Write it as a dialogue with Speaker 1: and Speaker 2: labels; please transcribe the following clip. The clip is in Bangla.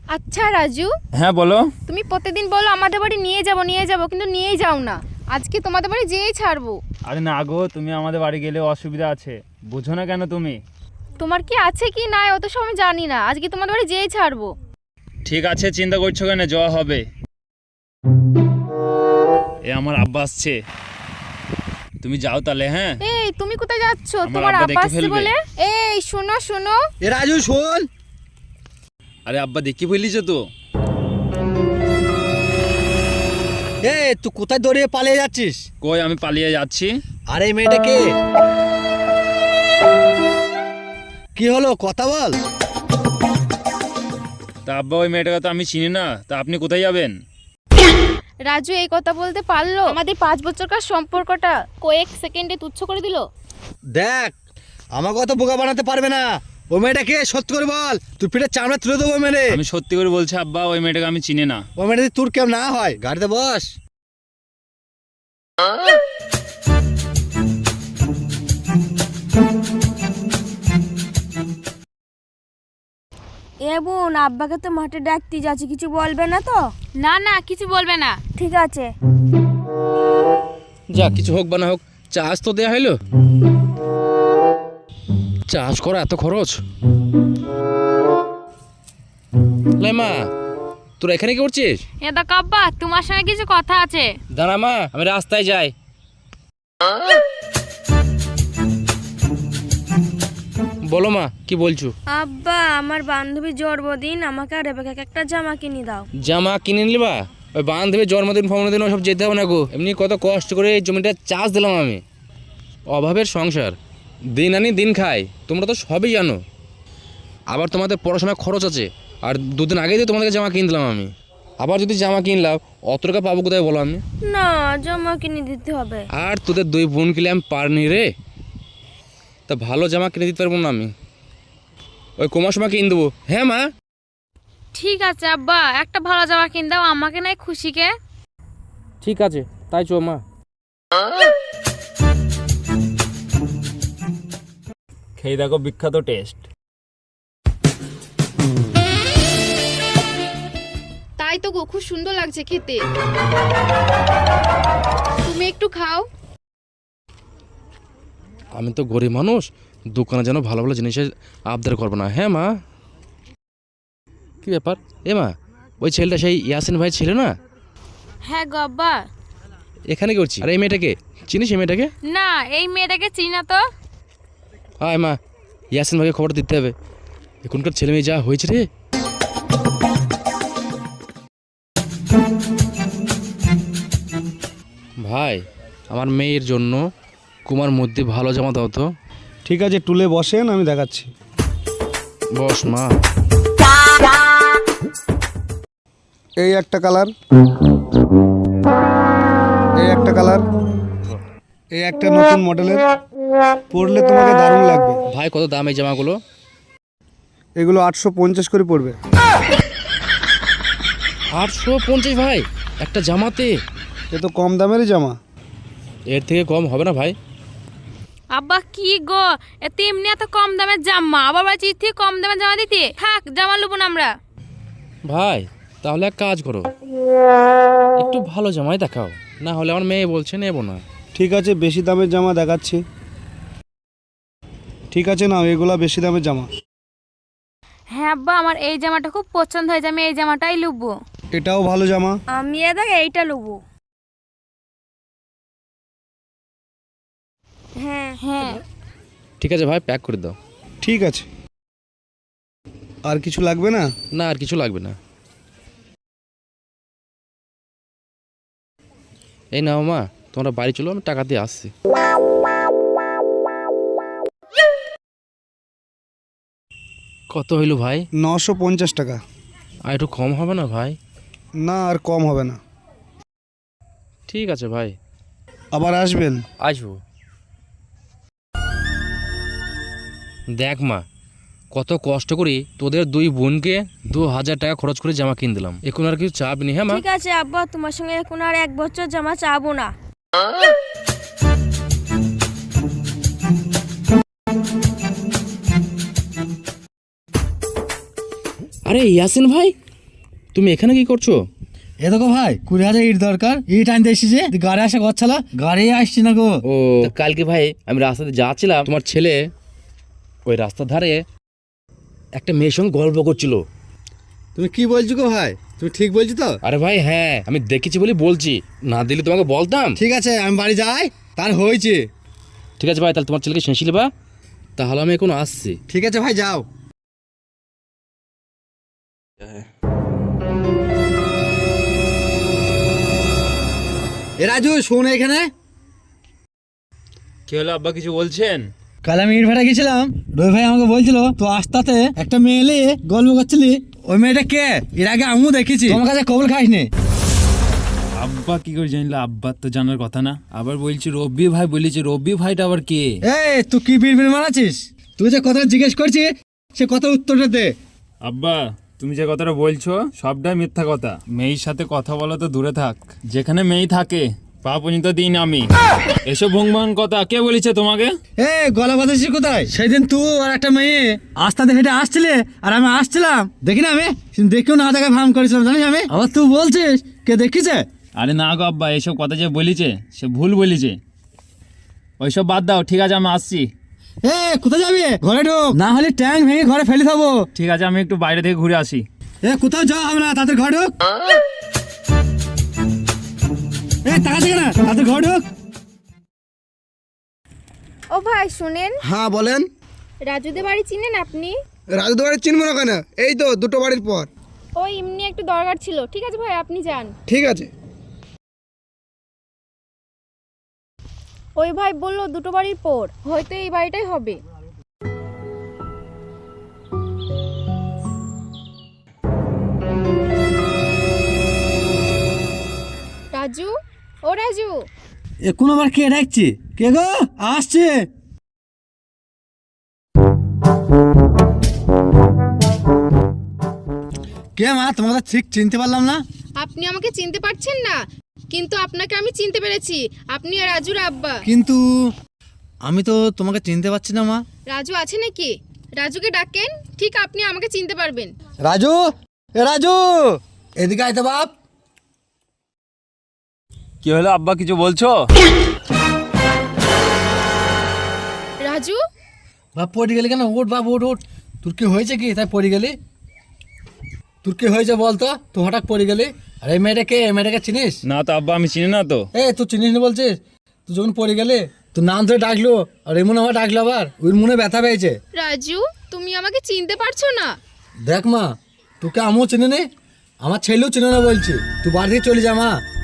Speaker 1: আচ্ছা রাজু,
Speaker 2: হ্যাঁ বলো।
Speaker 1: তুমি প্রতিদিন বলো আমাদের বাড়ি নিয়ে যাব কিন্তু নিয়েই যাও না। আজকে তোমাদের বাড়ি যেয়েই ছাড়বো।
Speaker 2: আরে না গো, তুমি আমাদের বাড়ি গেলে অসুবিধা আছে, বুঝো না কেন তুমি?
Speaker 1: তোমার কি আছে কি নাই অত সব আমি জানি না, আজকে তোমাদের বাড়ি যেয়েই ছাড়বো।
Speaker 2: ঠিক আছে, চিন্তা করছো কেন, যাওয়া হবে। এ আমার আব্বা আসছে, তুমি যাও তাহলে। হ্যাঁ
Speaker 1: এই তুমি কোথায় যাচ্ছ?
Speaker 2: আমার
Speaker 1: তোমার
Speaker 2: আব্বা
Speaker 1: আব্বা
Speaker 2: দেখে
Speaker 1: আসছে
Speaker 2: ফেলবে।
Speaker 1: বলে। এই শোনো শোনো,
Speaker 3: এ রাজু শোন।
Speaker 2: আরে আব্বা দেখি ফেলিছ তো।
Speaker 3: এ তুই কোথায় দৌড়িয়ে পালিয়ে যাচ্ছিস?
Speaker 2: কই, আমি পালিয়ে যাচ্ছি?
Speaker 3: আরে এই মেয়েটা কে? কি হলো কথা বল।
Speaker 2: তা আব্বা, ওই মেয়েটাকে তো আমি চিনি না, তা আপনি কোথায় যাবেন?
Speaker 1: রাজু এই কথা বলতে পারলো? আমাদের 5 বছরকার সম্পর্কটা কয়েক সেকেন্ডে তুচ্ছ করে দিল।
Speaker 3: দেখ, আমাকে অত বোকা বানাতে পারবে না। ওই মেয়েটা কে সত্যি করে বল, তুই পিঠে চামড়া তুলে দেবো মেরে।
Speaker 2: আমি সত্যি করে বলছি আব্বা, ওই মেয়েটাকে আমি চিনি না।
Speaker 3: ওই মেয়েটা যদি তোর কেমন না হয়, গাড়িতে বস।
Speaker 4: এ বোন, আব্বাকে তো মাঠে ডাকতে যাচ্ছি, কিছু বলবে না তো?
Speaker 1: না না, কিছু বলবে না।
Speaker 4: ঠিক আছে।
Speaker 5: যা কিছু হোক বা না হোক, চাষ তো দেয়া হইলো। চাষ করা এত খরচ। লে মা, তোরা এখানে কি করছিস?
Speaker 1: এ দা কাব্বা, তোমার সঙ্গে কিছু কথা আছে।
Speaker 5: দাঁড়া মা, আমি রাস্তায় যাই। বলো মা, কি বলছো?
Speaker 4: আব্বা, আমার বান্ধবীর জন্মদিন, আমাকে আর রেবেকাকে একটা জামা কিনে দাও।
Speaker 5: জামা কিনে নিবা? ওই বান্ধবীর জন্মদিন ফন্মদিন সব যেতে হবে না গো। এমনি কত কষ্ট করে এই জমিটা চাষ দিলাম আমি। অভাবের সংসার, দিন আনি দিন খাই, তোমরা তো সবই জানো। আবার তোমাদের পড়াশোনার খরচ আছে, আর দুদিন আগেই তো তোমাদেরকে জামা কিনে দিলাম আমি। আবার যদি জামা কিনলাম, অত টাকা পাবো কোথায় বলো আমি?
Speaker 4: না, জামা কিনে দিতে হবে।
Speaker 5: আর তোদের দুই বোন কিলে আমি পারনি রে। তা ভালো জামা কিনে দিতে পারবো না আমি, ওই কমার সময় কিনে দেবো। হ্যাঁ মা,
Speaker 1: ঠিক আছে আব্বা, একটা ভালো জামা কিনে দাও আমাকে, নাই খুশিকে।
Speaker 5: ঠিক আছে, তাই চো মা।
Speaker 2: খেয়ে দেখো, বিখ্যাত টেস্ট।
Speaker 1: তাই তো গো, খুব সুন্দর লাগছে খেতে। তুমি একটু খাও।
Speaker 5: আমি তো গরিব মানুষ, দোকানে যেন ভালো ভালো জিনিসের আবদার করবো না। হ্যাঁ মা। কি ব্যাপার এ মা, ওই ছেলেটা সেই ইয়াসিন ভাই ছিল না?
Speaker 1: হ্যাঁ গো আব্বা।
Speaker 5: এখানে কি করছি? আর এই মেয়েটাকে চিনিস? এই মেয়েটাকে?
Speaker 1: না, এই মেয়েটাকে চিনি না তো।
Speaker 5: আয় মা, ইয়াসিন ভাইকে খবর দিতে হবে। এখনকার ছেলে মেয়ে যা হয়েছে রে। ভাই, আমার মেয়ের জন্য কুমার মধ্যে ভালো জামা দাও তো।
Speaker 6: ঠিক আছে, টুলে বসেন, আমি দেখাচ্ছি।
Speaker 5: বস মা।
Speaker 6: এই একটা কালার, এই একটা কালার, এই একটা নতুন মডেলের, পরলে তোমাকে দারুণ লাগবে।
Speaker 5: ভাই কত দাম এই জামাগুলো?
Speaker 6: এগুলো 850 করে পড়বে।
Speaker 5: 850 ভাই একটা জামাতে?
Speaker 6: এ তো কম দামেরই জামা।
Speaker 5: এর থেকে কম হবে না ভাই?
Speaker 1: আব্বা কি গো, এত এমনি এত কম দামের জামা, আবার বলছি এর থেকে কম দামের জামা দিতে? থাক, জামা নেবো না আমরা।
Speaker 5: ভাই তাহলে এক কাজ করো, একটু ভালো জামাই দেখাও, না হলে আমার মেয়ে বলছে নেবো না।
Speaker 6: ঠিক আছে, বেশি দামের জামা দেখাচ্ছি। ঠিক আছে, নাও, এগুলা বেশি দামের জামা।
Speaker 1: হ্যাঁ আব্বা, আমার এই জামাটা খুব পছন্দ হয়েছে, আমি এই জামাটাই নেবো।
Speaker 6: এটাও ভালো জামা।
Speaker 4: আমি এদাকে এইটা নেবো। হ্যাঁ
Speaker 1: হ্যাঁ
Speaker 5: ঠিক আছে ভাই, প্যাক করে দাও।
Speaker 6: ঠিক আছে, আর কিছু লাগবে না?
Speaker 5: না, আর কিছু লাগবে না। এই নাও মা, তোমরা বাড়ি চলো, আমি টাকা দিয়ে আসছি। কত হইল ভাই?
Speaker 6: 950 টাকা।
Speaker 5: আর একটু কম হবে না ভাই?
Speaker 6: না, আর কম হবে না।
Speaker 5: ঠিক আছে ভাই,
Speaker 6: আবার আসবেন।
Speaker 5: আসবো। দেখ মা, কত কষ্ট করি তোদের দুই বোনকে 2000 টাকা খরচ করে জামা কিনে দিলাম, এখন আর কিছু চাপ নি। হ্যাঁ মা।
Speaker 4: ঠিক আছে আব্বা, তোমার সঙ্গে এখন আর 1 বছর জামা চাবো না।
Speaker 5: আরে ইয়াসিন ভাই, তুমি এখানে কি করছো?
Speaker 3: এ দেখো ভাই 20,000 ইট দরকার, ইট আনতে এসেছে, গাড়ি আসা গচ্ছালা, গাড়ি আসছি না গো।
Speaker 5: ও কালকে ভাই আমি রাস্তাতে যাচ্ছিলাম, তোমার ছেলে ওই রাস্তার ধারে একটা মেয়ের সঙ্গে গল্প করছিল।
Speaker 3: তুমি কি বলছো গো ভাই, তুমি ঠিক বলছো তো?
Speaker 5: আরে ভাই হ্যাঁ, আমি দেখেছি বলে বলছি, না দিলে তোমাকে বলতাম।
Speaker 3: ঠিক আছে আমি বাড়ি যাই, তার হয়েছে।
Speaker 5: ঠিক আছে ভাই, তাহলে তোমার ছেলেকে শেষিলে বা, তাহলে আমি এখন আসছি।
Speaker 3: ঠিক আছে ভাই যাও। এ রাজু শোন এখানে।
Speaker 2: কি হলো আব্বা, কিছু বলছেন?
Speaker 3: কাল আমি ইট ভাটা গেছিলাম, রবি ভাই আমাকে বলছিল তো আস্তাতে একটা মেয়ে এলে গল্প করছিলি, ওই মেয়েটা কে? এর আগে আমিও দেখেছি, তোমার কাছে কবল খাইনি।
Speaker 2: আব্বা কি করে জানলো? আব্বার তো জানার কথা না। আবার বলছি রব্বি ভাই বলেছে, রব্বি ভাইটা আবার কে?
Speaker 3: এই তুই কি বিড়বিড় মারাছিস? তুই যে কথাটা জিজ্ঞেস করছিস সে কথার উত্তরটা দে।
Speaker 2: আব্বা তুমি যে কথাটা বলছো সবটাই মিথ্যা কথা। মেয়ের সাথে কথা বলা তো দূরে থাক, যেখানে মেয়ে থাকে পা পর্যন্ত দিন আমি। এসব ভঙ্গমান কথা কে বলেছে তোমাকে?
Speaker 3: এ গলা বাঁধাছিস কোথায়? সেদিন তুই আর একটা মেয়ে আস্তাতে হেঁটে আসছিলে আর আমি আসছিলাম, দেখি না আমি, দেখেও না দেখা ভাম করেছিলাম জানিস আমি। আবার তুই বলছিস কে দেখিছে?
Speaker 2: আরে না গো আব্বা, এসব কথা যে বলিছে সে ভুল বলিছে, ওইসব বাদ দাও। ঠিক আছে আমি আসছি।
Speaker 3: এ কোথায় যাবি? ঘরে ঢোক, না হলে ট্যাঙ্ক ভেঙে ঘরে ফেলে দেবো।
Speaker 2: ঠিক আছে আমি একটু বাইরে থেকে ঘুরে আসি।
Speaker 3: এ কোথাও যাওয়া হবে না, তাদের ঘরে ঢোক। এ টাকা থেকে না, তাদের ঘরে ঢোক।
Speaker 4: ও ভাই শুনেন,
Speaker 3: হ্যাঁ বলেন।
Speaker 4: রাজুদের বাড়ি চিনেন আপনি?
Speaker 3: রাজু বাড়ি চিনবো না কেন? এই তো দুটো বাড়ির পর।
Speaker 4: ওই এমনি একটু দরকার ছিল। ঠিক আছে ভাই আপনি যান।
Speaker 3: ঠিক আছে।
Speaker 4: ওই ভাই বললো দুটো বাড়ির পর, হয়তো এই বাড়িটাই হবে। রাজু, ও রাজু।
Speaker 3: এখন আবার কে ডাকছি? কে গো? আসছে। কে মা, তোমাকে ঠিক চিনতে পারলাম না।
Speaker 7: আপনি আমাকে চিনতে পারছেন না, কিন্তু আপনাকে আমি চিনতে পেরেছি। আপনি আর রাজুর আব্বা।
Speaker 3: কিন্তু আমি তো তোমাকে চিনতে পারছি না মা।
Speaker 7: রাজু আছে নাকি? রাজুকে ডাকেন, ঠিক আপনি আমাকে চিনতে পারবেন।
Speaker 3: রাজু, এ রাজু, এদিকে আয় তো বাপ।
Speaker 2: কি হলো আব্বা, কিছু বলছো?
Speaker 7: রাজু,
Speaker 3: বাপ পড়ে গেলি কেন? উঠ বাপ, উঠ উঠ। তোর কি হয়েছে কি তাই পড়ে গেলি? তোর কি হয়েছে বলতো, তুই হঠাৎ পড়ে গেলি? আর এই মেয়েটাকে, এই মেয়েটাকে চিনিস?
Speaker 2: না তো আব্বা, আমি চিনি না তো।
Speaker 3: এ তুই চিনিস না বলছিস? তুই যখন পড়ে গেলি তোর নাম ধরে ডাকলো, আর এমন আমার ডাকলো, আবার ওর মনে ব্যথা পেয়েছে।
Speaker 7: রাজু তুমি আমাকে চিনতে পারছো না?
Speaker 3: দেখ মা, তোকে আমিও চিনি নে, আমার ছেলেও চিনে না বলছি। তুই বাড়ি থেকে চলে যা মা।